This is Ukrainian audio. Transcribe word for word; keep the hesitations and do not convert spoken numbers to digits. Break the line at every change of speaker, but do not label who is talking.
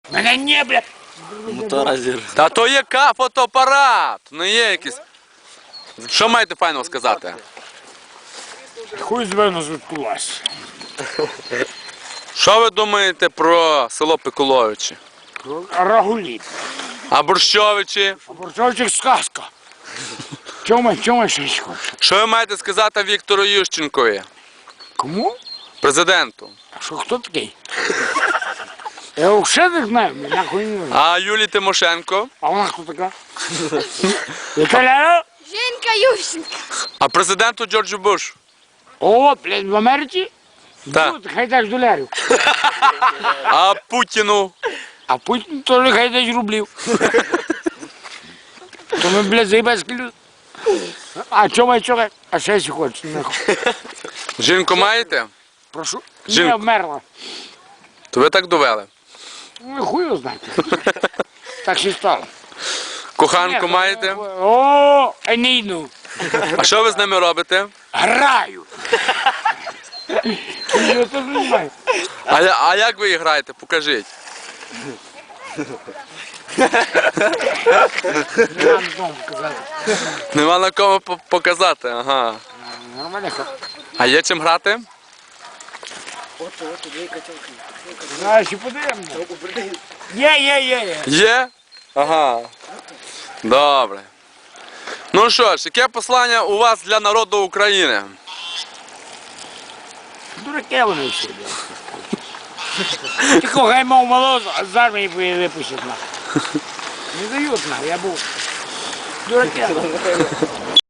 Мене не, блядь.
Мотора зір.
Та то є ка фотоапарат, не є якийсь. Що маєте файного сказати?
Хуй з мене звідкулась.
Що ви думаєте про село Пиколовичі?
Рагуліт.
А Борщовичі?
А Борцовчик сказка. Чому, чому ще хочеш?
Що ви маєте сказати Віктору Ющенкові,
Кому?
президенту?
А що, хто такий? Я його взагалі не знаю, мене нахуй не знаю.
А Юлії Тимошенко?
А вона хто така? Віталя?
Женька Ющенко.
А президенту Джорджу Бушу?
О, блядь, в Америці?
Так.
Тут, хай дасть долярів.
А Путіну?
А Путін теж хай дасть рублів. То ми, блядь, заїбецькі люди. А чому я чого? А ще якщо хочеш, нахуй.
Жінку маєте?
Прошу.
Жінку.
Не вмерла.
То ви так довели.
Ну, хуй його знати. Так ще й стало.
Коханку маєте?
О, а не йду.
А що ви з ними робите?
Граю. Я теж не знаю.
А, я- а як ви її граєте? Покажіть.
Не надо дому казати.
Нема на кому по- показати, ага.
Нормально.
А є чим грати?
Знаєш, і подивимося. Є, є, є, є.
Є? Ага. Добре. Ну що ж, яке послання у вас для народу України?
Дураки вони всі, блядь. Тільки хай мав молоз, а з армії випустять нахуй. Не дають нахуй, я був. Дураки.